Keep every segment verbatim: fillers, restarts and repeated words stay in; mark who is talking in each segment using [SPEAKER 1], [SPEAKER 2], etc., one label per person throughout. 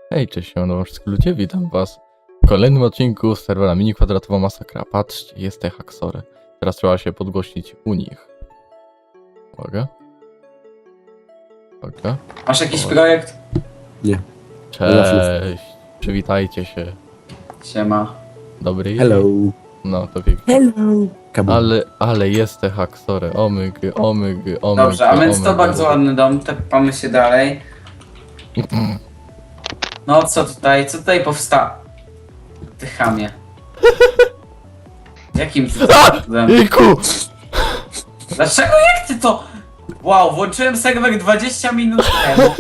[SPEAKER 1] Hej, cześć, siemano wszystkich ludzie, witam was w kolejnym odcinku z serwera Mini Kwadratowa Masakra. Patrzcie, jest te haksory. Teraz trzeba się podgłośnić u nich. Uwaga. Uwaga.
[SPEAKER 2] Masz jakiś
[SPEAKER 1] O.
[SPEAKER 2] projekt?
[SPEAKER 3] Nie.
[SPEAKER 1] Cześć, przywitajcie się.
[SPEAKER 2] Siema.
[SPEAKER 1] Dobry.
[SPEAKER 3] Hello.
[SPEAKER 1] No, to pięknie.
[SPEAKER 3] Hello. Kabum.
[SPEAKER 1] Ale, ale jest te haksory. Omygy, omygy, omygy.
[SPEAKER 2] Dobrze, a więc to
[SPEAKER 1] omygy.
[SPEAKER 2] bardzo ładny dom, tepamy się dalej. No co tutaj, co tutaj powsta... Ty chamie. Jakim ty cudem?
[SPEAKER 1] Iku!
[SPEAKER 2] Dlaczego, jak ty to... Wow, włączyłem serwer dwadzieścia minut temu.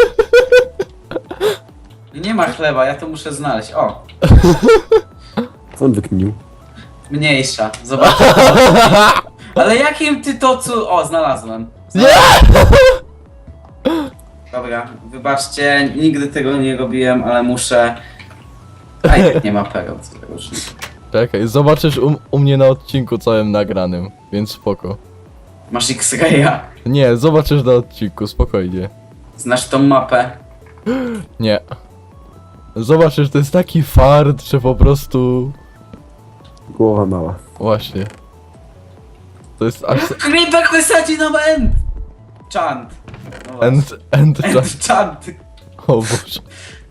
[SPEAKER 2] Nie ma chleba, ja to muszę znaleźć. O,
[SPEAKER 3] Co on wykminił?
[SPEAKER 2] mniejsza, zobacz. Ale jakim ty to cu... O, znalazłem.
[SPEAKER 1] Nie!
[SPEAKER 2] Dobra, wybaczcie, nigdy tego nie robiłem, ale muszę... A i tak nie ma pereł, co tego już nie.
[SPEAKER 1] Czekaj, zobaczysz u, u mnie na odcinku całym nagranym, więc spoko.
[SPEAKER 2] Masz X-Raya.
[SPEAKER 1] Nie, zobaczysz na odcinku, spokojnie.
[SPEAKER 2] Znasz tą mapę?
[SPEAKER 1] Nie. Zobaczysz, to jest taki fart, że po prostu...
[SPEAKER 3] Głowa mała.
[SPEAKER 1] Właśnie. To jest aż...
[SPEAKER 2] Creeper wysadzi nam end! Chant. No właśnie.
[SPEAKER 1] End, end,
[SPEAKER 2] End
[SPEAKER 1] end.
[SPEAKER 2] chant.
[SPEAKER 1] O Boże.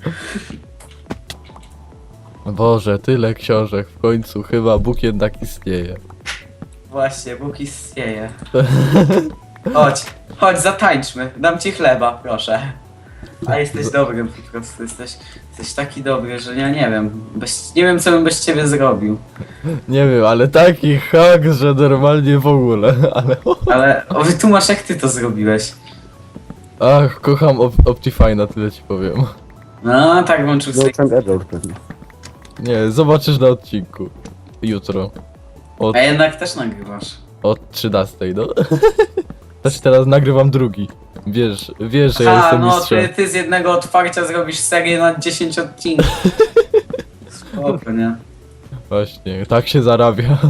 [SPEAKER 1] Boże, tyle książek, w końcu chyba Bóg jednak istnieje.
[SPEAKER 2] Właśnie, Bóg istnieje. Chodź, chodź, zatańczmy. Dam ci chleba, proszę. A jesteś dobrym po prostu, jesteś, jesteś taki dobry, że ja nie wiem. Bez, nie wiem, co bym bez ciebie zrobił.
[SPEAKER 1] Nie wiem, ale taki hak, że normalnie w ogóle, ale...
[SPEAKER 2] Ale o, wytłumacz, jak ty to zrobiłeś.
[SPEAKER 1] Ach, kocham Op Optifine'a, tyle ci powiem.
[SPEAKER 2] No, tak włączył sobie.
[SPEAKER 3] Zobaczyłem error pewnie.
[SPEAKER 1] Nie, zobaczysz na odcinku. Jutro. Od,
[SPEAKER 2] A jednak też nagrywasz.
[SPEAKER 1] od trzynastej, no. Też teraz nagrywam drugi. Wiesz, wiesz, że ja
[SPEAKER 2] Ha,
[SPEAKER 1] jestem
[SPEAKER 2] no
[SPEAKER 1] mistrzem.
[SPEAKER 2] ty, ty z jednego otwarcia zrobisz serię na dziesięć odcinków. Spoko, nie?
[SPEAKER 1] Właśnie, tak się zarabia.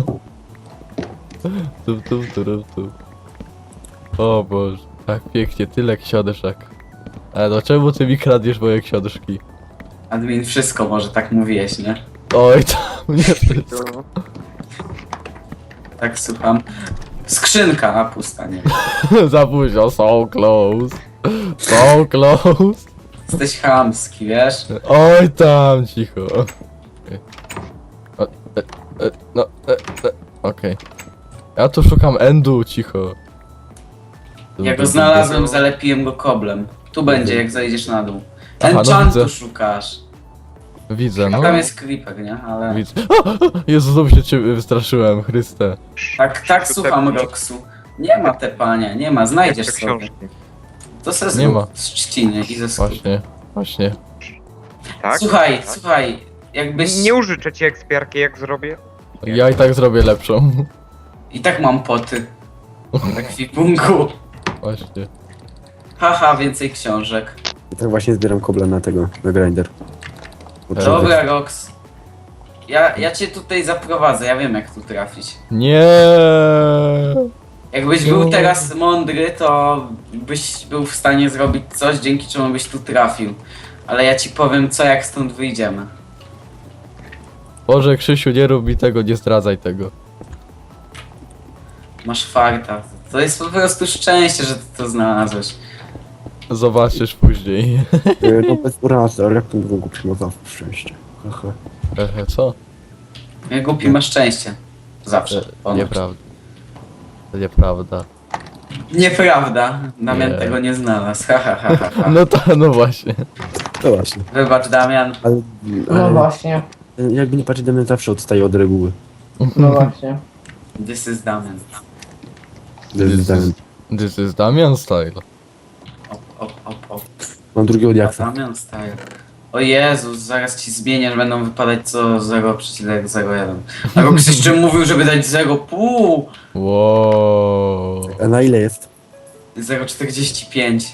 [SPEAKER 1] Tu, tu, tu, tu, tu. O Boże, tak pięknie, tyle książek. Ale no czemu ty mi kradniesz moje książki?
[SPEAKER 2] Admin, wszystko może, tak mówiłeś, nie?
[SPEAKER 1] Oj, tam nie wszystko.
[SPEAKER 2] Tak, słucham. Skrzynka, a pusta, nie?
[SPEAKER 1] Za późno, so close. So close.
[SPEAKER 2] Jesteś chamski, wiesz?
[SPEAKER 1] Oj, tam, cicho. Okej. O, e, e, no, e, e, okej. Ja tu szukam endu, cicho.
[SPEAKER 2] Ja go znalazłem, zalepiłem go koblem. Tu będzie, jak zejdziesz na dół.
[SPEAKER 1] Aha, no
[SPEAKER 2] Enchantu
[SPEAKER 1] widzę.
[SPEAKER 2] szukasz.
[SPEAKER 1] Widzę,
[SPEAKER 2] A
[SPEAKER 1] no.
[SPEAKER 2] tam jest creeper, nie? Ale...
[SPEAKER 1] Widzę. O, o, Jezu, znowu się ciebie wystraszyłem, Chryste.
[SPEAKER 2] Tak, tak, słucham, Roxu. Nie ma te pania, nie ma, znajdziesz
[SPEAKER 4] Te
[SPEAKER 2] sobie.
[SPEAKER 4] książki.
[SPEAKER 2] To se
[SPEAKER 1] Nie
[SPEAKER 2] zrób
[SPEAKER 1] ma.
[SPEAKER 2] z trzciny i ze skóry.
[SPEAKER 1] Właśnie, właśnie.
[SPEAKER 4] Tak?
[SPEAKER 2] Słuchaj,
[SPEAKER 4] tak?
[SPEAKER 2] słuchaj, jakbyś...
[SPEAKER 4] Nie użyczę ci ekspiarki, jak zrobię.
[SPEAKER 1] Ja i tak zrobię lepszą.
[SPEAKER 2] I tak mam poty. W ekwipunku.
[SPEAKER 1] Właśnie.
[SPEAKER 2] Haha, więcej książek.
[SPEAKER 3] I tak właśnie zbieram kobla na tego, na grinder. Potrzeba-
[SPEAKER 2] Dobra, Rox. Ja, ja cię tutaj zaprowadzę, ja wiem jak tu trafić.
[SPEAKER 1] Nie.
[SPEAKER 2] Jakbyś był teraz mądry, to byś był w stanie zrobić coś, dzięki czemu byś tu trafił. Ale ja ci powiem co, jak stąd wyjdziemy.
[SPEAKER 1] Boże, Krzysiu, nie rób mi tego, nie zdradzaj tego.
[SPEAKER 2] Masz farta. To jest po prostu szczęście, że ty to znalazłeś.
[SPEAKER 1] Zobaczysz później.
[SPEAKER 3] E, No bez urazy, ale jak to mówią go przyjmował w szczęście. Haha.
[SPEAKER 1] Ehe, co?
[SPEAKER 2] Jak głupi masz szczęście. Zawsze.
[SPEAKER 1] E,
[SPEAKER 2] Ponoć.
[SPEAKER 1] Nieprawda. To nieprawda.
[SPEAKER 2] Nieprawda. Damian
[SPEAKER 1] Nie.
[SPEAKER 2] tego nie znalazł. Ha, ha, ha, ha, ha.
[SPEAKER 1] No to, no właśnie.
[SPEAKER 3] No właśnie.
[SPEAKER 2] Wybacz, Damian.
[SPEAKER 3] Ale,
[SPEAKER 5] No
[SPEAKER 3] ale
[SPEAKER 5] właśnie,
[SPEAKER 3] jakby nie patrzeć, Damian zawsze odstaje od reguły.
[SPEAKER 5] no właśnie.
[SPEAKER 2] This is Damian.
[SPEAKER 1] This is, this is Damian style.
[SPEAKER 2] Op, op, op, op.
[SPEAKER 3] Mam drugiego diaksa.
[SPEAKER 2] Damian style. O Jezus, zaraz ci zmienię, że będą wypadać co zero przecinek zero jeden. A Rox jeszcze mówił, żeby dać zero przecinek pięć.
[SPEAKER 1] Wow.
[SPEAKER 3] A na ile jest?
[SPEAKER 2] zero przecinek czterdzieści pięć.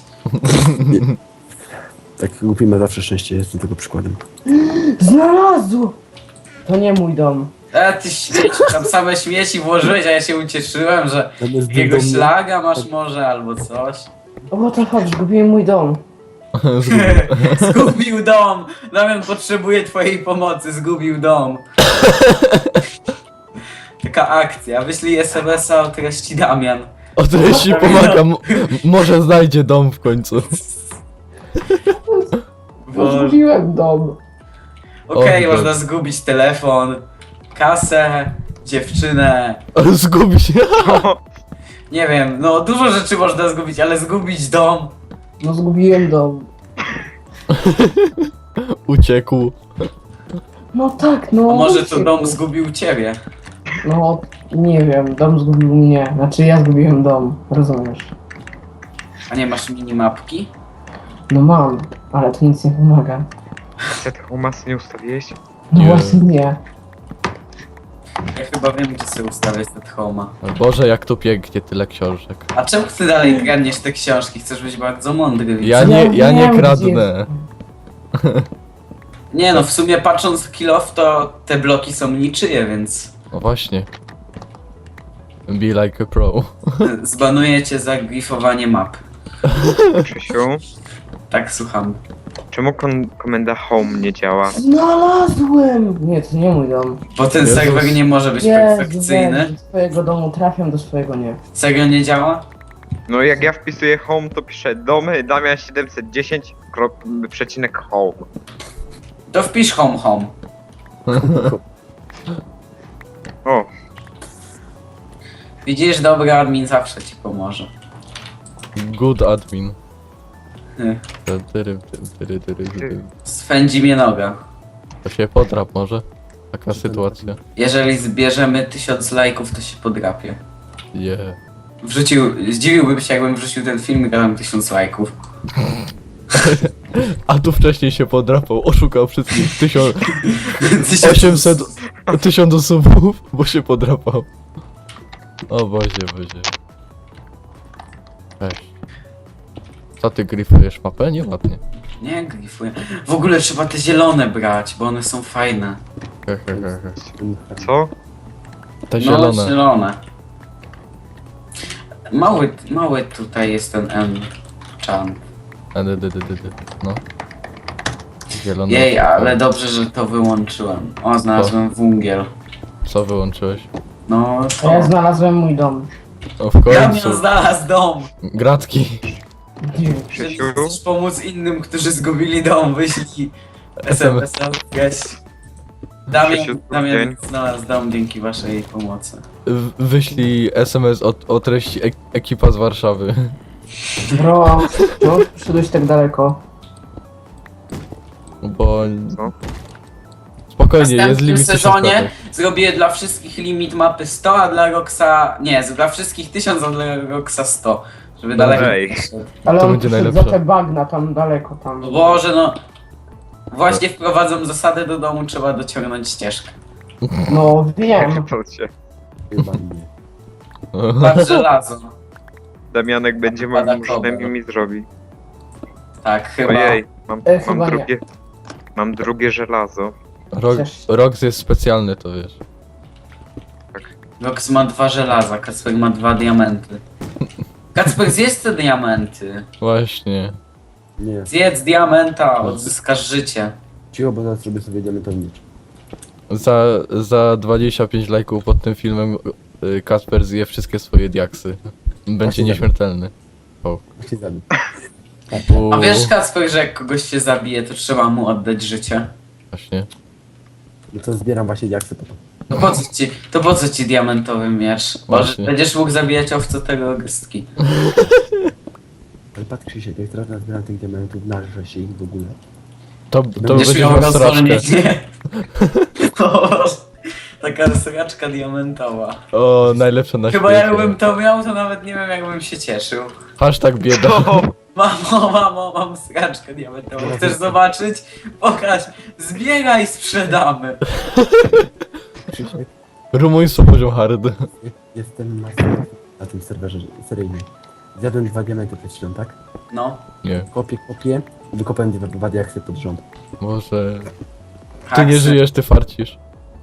[SPEAKER 3] Tak głupi ma zawsze szczęście, jestem tego przykładem.
[SPEAKER 5] Znalazł! To nie mój dom.
[SPEAKER 2] A ty śmieci, tam same śmieci włożyłeś, a ja się ucieszyłem, że
[SPEAKER 3] Tam jest
[SPEAKER 2] jakiegoś
[SPEAKER 3] dom-
[SPEAKER 2] szlaga masz może albo coś.
[SPEAKER 5] O, to chodź, zgubiłem mój dom.
[SPEAKER 1] Zgubił.
[SPEAKER 2] Zgubił dom! Damian potrzebuje twojej pomocy, zgubił dom. Taka akcja, wyślij es em es a o treści Damian.
[SPEAKER 1] O treści pomaga, m- może znajdzie dom w końcu.
[SPEAKER 2] Bo...
[SPEAKER 5] Zgubiłem dom.
[SPEAKER 2] Okej,
[SPEAKER 1] O,
[SPEAKER 2] można zgubić telefon, kasę, dziewczynę.
[SPEAKER 1] Zgubi się.
[SPEAKER 2] Nie wiem, no dużo rzeczy można zgubić, ale zgubić dom.
[SPEAKER 5] No zgubiłem dom.
[SPEAKER 1] Uciekł.
[SPEAKER 5] No tak, no.
[SPEAKER 2] A może to
[SPEAKER 5] uciekł.
[SPEAKER 2] dom zgubił ciebie?
[SPEAKER 5] No, nie wiem, dom zgubił mnie. Znaczy ja zgubiłem dom, rozumiesz?
[SPEAKER 2] A nie masz minimapki?
[SPEAKER 5] No mam, ale to nic nie pomaga.
[SPEAKER 4] Set Homas nie ustawiłeś?
[SPEAKER 5] No
[SPEAKER 1] Nie.
[SPEAKER 5] właśnie nie.
[SPEAKER 2] Ja chyba wiem, gdzie sobie ustawię set homa.
[SPEAKER 1] Boże, jak tu pięknie, tyle książek.
[SPEAKER 2] A czemu ty dalej kradniesz te książki? Chcesz być bardzo mądry. widzę.
[SPEAKER 1] Ja nie, ja nie
[SPEAKER 5] wiem,
[SPEAKER 1] kradnę.
[SPEAKER 5] gdzie-
[SPEAKER 2] Nie no, w sumie patrząc w kill off, to te bloki są niczyje, więc
[SPEAKER 1] No właśnie. Be like a pro.
[SPEAKER 2] zbanuję cię za grifowanie map.
[SPEAKER 4] Krzysiu,
[SPEAKER 2] Tak, słucham.
[SPEAKER 4] czemu kon- komenda home nie działa?
[SPEAKER 5] Znalazłem! Nie, to nie mój dom.
[SPEAKER 2] Bo ten
[SPEAKER 1] Jezus.
[SPEAKER 2] serwer nie może być
[SPEAKER 5] Jezu,
[SPEAKER 2] perfekcyjny.
[SPEAKER 5] weź, do swojego domu trafiam, do swojego nie.
[SPEAKER 2] Serio nie działa?
[SPEAKER 4] No jak ja wpisuję home, to piszę domy Damian siedemset dziesięć, krok, przecinek home.
[SPEAKER 2] To wpisz home home.
[SPEAKER 4] O,
[SPEAKER 2] Widzisz, dobry admin zawsze ci pomoże.
[SPEAKER 1] Good admin.
[SPEAKER 2] Hy.
[SPEAKER 1] Tyry, tyry, tyry, tyry, tyry.
[SPEAKER 2] Swędzi mnie noga.
[SPEAKER 1] To się podrap może. Taka sytuacja.
[SPEAKER 2] Jeżeli zbierzemy tysiąc lajków, to się podrapię.
[SPEAKER 1] Yeah.
[SPEAKER 2] Wrzucił, zdziwiłbym się, jakbym wrzucił ten film i dałem tysiąc lajków.
[SPEAKER 1] A tu wcześniej się podrapał, oszukał wszystkich. Tysiąc,
[SPEAKER 2] Tysiąc-
[SPEAKER 1] osiemset, tysiąc osób, bo się podrapał. O Boże, Boże. Weź. Co ty gryfujesz mapę? Nieładnie.
[SPEAKER 2] Nie, grifuję. W ogóle trzeba te zielone brać, bo one są fajne.
[SPEAKER 1] He, he, he, he.
[SPEAKER 4] co?
[SPEAKER 1] Te
[SPEAKER 2] No,
[SPEAKER 1] zielone.
[SPEAKER 2] zielone. Mały, mały tutaj jest ten enchant.
[SPEAKER 1] E, dy, dy, dy, dy, dy. No. Zielone.
[SPEAKER 2] Jej, ale dobrze, że to wyłączyłem. O, znalazłem węgiel.
[SPEAKER 1] Co wyłączyłeś?
[SPEAKER 2] No
[SPEAKER 5] A
[SPEAKER 2] to...
[SPEAKER 5] ja znalazłem mój dom.
[SPEAKER 1] O, w
[SPEAKER 2] Damian
[SPEAKER 1] końcu.
[SPEAKER 2] znalazł dom!
[SPEAKER 1] Gratki.
[SPEAKER 5] Gdzie?
[SPEAKER 2] Jeżeli
[SPEAKER 4] Krzysiu?
[SPEAKER 2] chcesz pomóc innym, którzy zgubili dom, wyślij es em es a. Damian,
[SPEAKER 4] Krzysiu,
[SPEAKER 2] Damian
[SPEAKER 4] dzień.
[SPEAKER 2] znalazł dom dzięki waszej pomocy.
[SPEAKER 1] W- Wyślij es em es o, o treści ek ekipa z Warszawy.
[SPEAKER 5] Bro, no, przyszedłeś tak daleko.
[SPEAKER 1] Bo...
[SPEAKER 4] Co?
[SPEAKER 2] W
[SPEAKER 1] Spokojnie, jest
[SPEAKER 2] następnym
[SPEAKER 1] limit
[SPEAKER 2] sezonie
[SPEAKER 1] tysiąc
[SPEAKER 2] zrobię dla wszystkich limit mapy sto, a dla Roxa... Nie, dla wszystkich tysiąc, a dla Roxa sto. Żeby
[SPEAKER 1] Dobra.
[SPEAKER 2] daleko
[SPEAKER 4] Ej.
[SPEAKER 2] nie szedł.
[SPEAKER 5] Ale
[SPEAKER 1] To
[SPEAKER 5] on
[SPEAKER 1] będzie
[SPEAKER 5] przyszedł
[SPEAKER 1] najlepsze.
[SPEAKER 5] za te bagna tam daleko tam.
[SPEAKER 2] O Boże, no... Właśnie wprowadzą zasadę do domu, trzeba dociągnąć ścieżkę.
[SPEAKER 5] No wiem.
[SPEAKER 4] To cię.
[SPEAKER 3] Chyba nie.
[SPEAKER 2] Patrz żelazo.
[SPEAKER 4] Damianek będzie
[SPEAKER 2] Pada
[SPEAKER 4] moim
[SPEAKER 2] kobra.
[SPEAKER 4] murznem i mi zrobi.
[SPEAKER 2] Tak, chyba.
[SPEAKER 4] Ojej, mam,
[SPEAKER 5] E,
[SPEAKER 4] mam
[SPEAKER 5] chyba nie.
[SPEAKER 4] drugie... Mam drugie żelazo.
[SPEAKER 1] Rok,
[SPEAKER 5] Też.
[SPEAKER 1] Rox jest specjalny, to wiesz.
[SPEAKER 2] Rox ma dwa żelaza, Kacper ma dwa diamenty. Kacper, zjedz te diamenty.
[SPEAKER 1] Właśnie.
[SPEAKER 3] Nie.
[SPEAKER 2] Zjedz diamenta, odzyskasz życie.
[SPEAKER 3] Cicho, bo zaraz zrobię sobie diamentownicz.
[SPEAKER 1] Za, za dwadzieścia pięć lajków pod tym filmem y, Kasper zje wszystkie swoje diaksy. Będzie
[SPEAKER 3] Właśnie
[SPEAKER 1] nieśmiertelny.
[SPEAKER 3] Właśnie zabić.
[SPEAKER 2] A wiesz, Kacper, że jak kogoś się zabije, to trzeba mu oddać życie?
[SPEAKER 1] Właśnie.
[SPEAKER 3] No to zbieram właśnie diaksy po to.
[SPEAKER 2] To po co ci, to po co ci diamentowy miecz? Może
[SPEAKER 1] Właśnie.
[SPEAKER 2] będziesz mógł zabijać owce tego gestki.
[SPEAKER 3] Ale patrz Krzysiek, jak teraz nazbieram tych diamentów, narzę się ich w ogóle.
[SPEAKER 1] To, to
[SPEAKER 2] Będziesz
[SPEAKER 1] będzie
[SPEAKER 2] miał
[SPEAKER 1] miał sraczkę.
[SPEAKER 2] rozwolnienie. O, taka sraczka diamentowa.
[SPEAKER 1] O, najlepsze na
[SPEAKER 2] Chyba
[SPEAKER 1] świecie.
[SPEAKER 2] jakbym to miał, to nawet nie wiem, jakbym się cieszył.
[SPEAKER 1] Hashtag bieda.
[SPEAKER 2] Mamo, mamo, mam sraczkę diamentową. Chcesz zobaczyć? Pokaż. Zbieraj, sprzedamy.
[SPEAKER 3] Krzysiek,
[SPEAKER 1] Rumuństwo poziom hard.
[SPEAKER 3] jestem master na tym serwerze seryjnym. Zjadłem dwa diamenty przed chwilą, tak?
[SPEAKER 2] No.
[SPEAKER 1] Nie,
[SPEAKER 3] Kopię, kopię i wykopałem dwa, dwa diaksy pod rząd.
[SPEAKER 1] może... Ty
[SPEAKER 2] Haksy.
[SPEAKER 1] nie żyjesz, ty farcisz.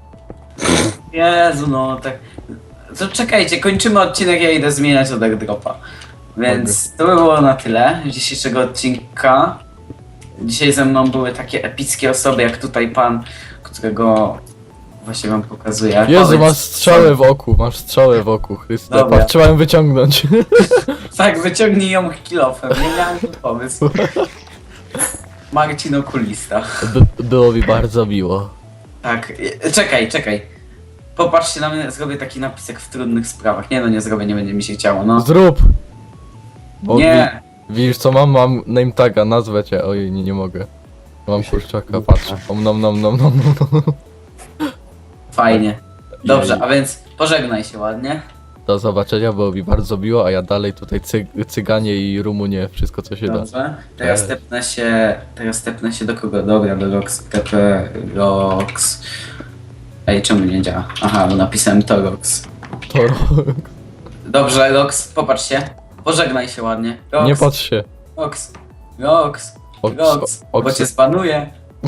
[SPEAKER 2] Jezu, no tak. To czekajcie, kończymy odcinek, ja idę zmieniać od airdropa. Więc to by było na tyle dzisiejszego odcinka. Dzisiaj ze mną były takie epickie osoby, jak tutaj pan, którego właśnie wam pokazuję.
[SPEAKER 1] Jezu,
[SPEAKER 2] Powiedz,
[SPEAKER 1] masz strzałę w oku, masz strzałę w oku, Chryste.
[SPEAKER 2] Dobra.
[SPEAKER 1] Patrz, trzeba ją wyciągnąć.
[SPEAKER 2] Tak, wyciągnij ją kilofem, nie miałem tu pomysł. Marcin Okulista.
[SPEAKER 1] By, było mi bardzo miło.
[SPEAKER 2] Tak, e, czekaj, czekaj. Popatrzcie na mnie, zrobię taki napisek w trudnych sprawach. Nie no, nie zrobię, nie będzie mi się chciało, no.
[SPEAKER 1] Zrób! Bo
[SPEAKER 2] Nie,
[SPEAKER 1] wi- widzisz co mam? Mam name taga, nazwę cię. Ojej, nie, nie mogę. Mam kurczaka, patrz. Om nom nom nom nom nom.
[SPEAKER 2] fajnie. Dobrze, a więc pożegnaj się ładnie.
[SPEAKER 1] Do zobaczenia, było mi bardzo miło, a ja dalej tutaj cy cyganie i Rumunie, wszystko co się da.
[SPEAKER 2] Dobrze. Teraz
[SPEAKER 1] Tak.
[SPEAKER 2] stepnę się. Teraz stepnę się do kogo? Dobra, do Rox. T P Rox. Ej, czemu nie działa? Aha, bo napisałem to Rox.
[SPEAKER 1] To rok.
[SPEAKER 2] Dobrze, Rox, popatrz się. Pożegnaj się ładnie. Rox,
[SPEAKER 1] Nie patrz się.
[SPEAKER 2] Rox. Rox.
[SPEAKER 1] Oks-
[SPEAKER 2] Rox. Bo
[SPEAKER 1] oks-
[SPEAKER 2] cię spanuję.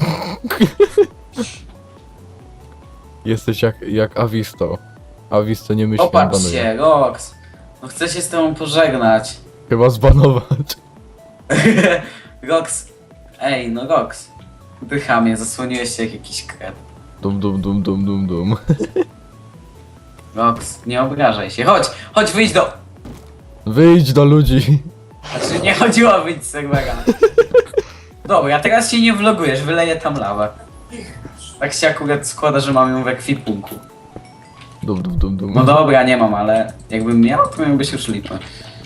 [SPEAKER 1] Jesteś jak, jak Avisto. Avisto nie myśli,
[SPEAKER 2] Popatrz
[SPEAKER 1] banuje.
[SPEAKER 2] się, Rox. No chcę się z tobą pożegnać.
[SPEAKER 1] Chyba zbanować.
[SPEAKER 2] Rox. Ej, no Rox. Ty chamie, zasłoniłeś się jak jakiś kret.
[SPEAKER 1] Dum dum dum dum dum dum.
[SPEAKER 2] Rox, nie obrażaj się. Chodź, chodź, wyjdź do...
[SPEAKER 1] Wyjdź do ludzi.
[SPEAKER 2] Znaczy, nie chodziło o wyjść z serwera. Dobra, teraz się nie vlogujesz, wyleję tam lawę. Tak się akurat składa, że mam ją w ekwipunku.
[SPEAKER 1] Dum dum dum dum.
[SPEAKER 2] No dobra, nie mam, ale jakbym miał, to miałbyś już lipę.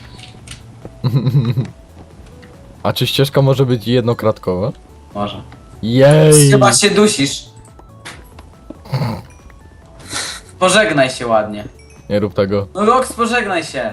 [SPEAKER 1] A czy ścieżka może być jednokratkowa?
[SPEAKER 2] Może.
[SPEAKER 1] Jej!
[SPEAKER 2] Chyba się dusisz. Pożegnaj się ładnie.
[SPEAKER 1] Nie rób tego.
[SPEAKER 2] No Rox, pożegnaj się.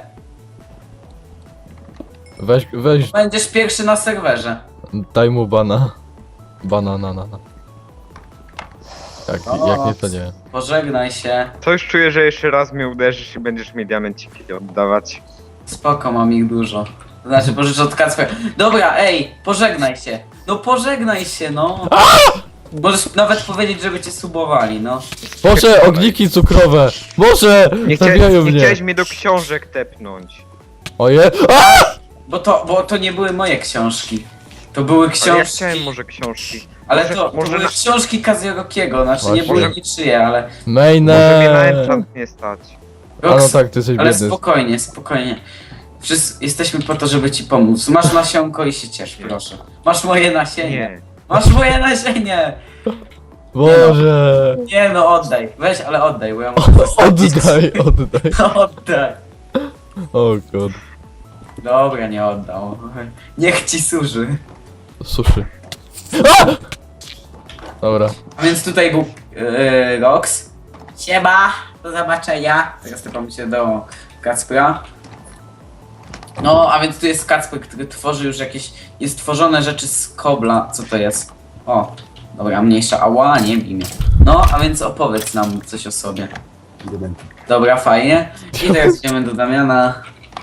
[SPEAKER 1] Weź, weź,
[SPEAKER 2] Będziesz pierwszy na serwerze.
[SPEAKER 1] daj mu bana. Banana, na, na. Tak,
[SPEAKER 2] O.
[SPEAKER 1] jak nie to nie.
[SPEAKER 2] Pożegnaj się.
[SPEAKER 4] Coś czuję, że jeszcze raz mnie uderzysz i będziesz mi diamenciki oddawać.
[SPEAKER 2] Spoko, mam ich dużo. To znaczy, pożyczę od Kacpra. Dobra, ej, pożegnaj się. No pożegnaj się, no. Możesz nawet powiedzieć, żeby cię subowali, no.
[SPEAKER 1] Boże, ogniki cukrowe! Boże!
[SPEAKER 4] Nie,
[SPEAKER 1] Zabijają
[SPEAKER 4] chciałeś, nie
[SPEAKER 1] mnie!
[SPEAKER 4] chciałeś mnie do książek tepnąć.
[SPEAKER 1] Oje! A!
[SPEAKER 2] Bo to, bo to nie były moje książki. To były
[SPEAKER 4] Ale ja
[SPEAKER 2] książki.
[SPEAKER 4] chciałem może książki.
[SPEAKER 2] Ale
[SPEAKER 4] może-
[SPEAKER 2] to, to
[SPEAKER 4] może
[SPEAKER 2] były
[SPEAKER 4] na-
[SPEAKER 2] książki Kaziorokiego, znaczy nie
[SPEAKER 1] Właśnie.
[SPEAKER 2] były
[SPEAKER 4] Może-
[SPEAKER 2] niczyje, ale.
[SPEAKER 4] Może mnie na
[SPEAKER 1] Maine!
[SPEAKER 4] enchant nie stać.
[SPEAKER 1] A no tak, ty jesteś
[SPEAKER 2] Ale
[SPEAKER 1] biedny.
[SPEAKER 2] spokojnie, spokojnie. Wszyscy jesteśmy po to, żeby ci pomóc. Masz nasionko i się ciesz, proszę. Masz moje nasienie.
[SPEAKER 4] Nie.
[SPEAKER 2] Masz moje nasienie!
[SPEAKER 1] Boże!
[SPEAKER 2] Nie no, oddaj. Weź, ale oddaj, bo ja muszę zostawić.
[SPEAKER 1] Oddaj, oddaj.
[SPEAKER 2] Oddaj.
[SPEAKER 1] O god.
[SPEAKER 2] Dobra, nie oddał. Niech ci służy.
[SPEAKER 1] Suszy. A! Dobra.
[SPEAKER 2] A więc tutaj był yy, Rox. Siema, do zobaczenia. Teraz typam się do Kacpra. No, a więc tu jest Kacper, który tworzy już jakieś... Jest tworzone rzeczy z kobla. Co to jest? O, dobra, mniejsza. Ała, nie wiem imię. No, a więc opowiedz nam coś o sobie.
[SPEAKER 3] Diamenty.
[SPEAKER 2] Dobra, fajnie. I teraz idziemy do Damiana.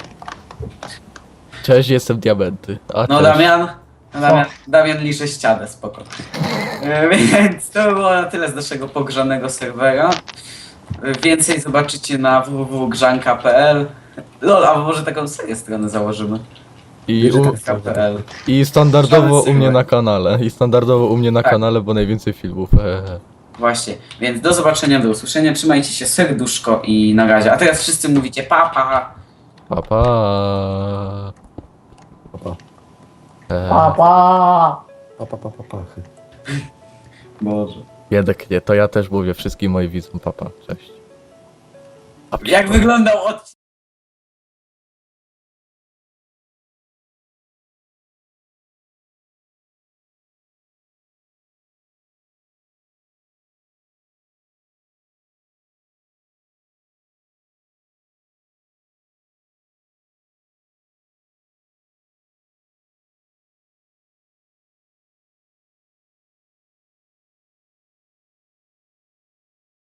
[SPEAKER 1] Cześć, jestem diamenty. A
[SPEAKER 2] No
[SPEAKER 1] cześć.
[SPEAKER 2] Damian, no, Damian, Damian liczy ścianę, spoko. E, Więc to było na tyle z naszego pogrzanego serwera. E, Więcej zobaczycie na w w w kropka grzanka kropka p l. Lol, a może taką serię strony założymy.
[SPEAKER 1] I, u,
[SPEAKER 2] Grzanka kropka p l.
[SPEAKER 1] I standardowo
[SPEAKER 2] Żaden
[SPEAKER 1] u mnie
[SPEAKER 2] serwer.
[SPEAKER 1] na kanale. I standardowo u mnie na
[SPEAKER 2] Tak.
[SPEAKER 1] kanale, bo najwięcej filmów. Eee.
[SPEAKER 2] Właśnie, więc do zobaczenia, do usłyszenia. Trzymajcie się, serduszko i na razie. A teraz wszyscy mówicie pa pa.
[SPEAKER 1] Pa pa.
[SPEAKER 3] Papa.
[SPEAKER 1] Eee.
[SPEAKER 5] Papa!
[SPEAKER 3] Papa, papa, papa.
[SPEAKER 2] Boże.
[SPEAKER 1] Biedek nie, to ja też mówię wszystkim moim widzom papa. Cześć.
[SPEAKER 2] Jak wyglądał odcinek?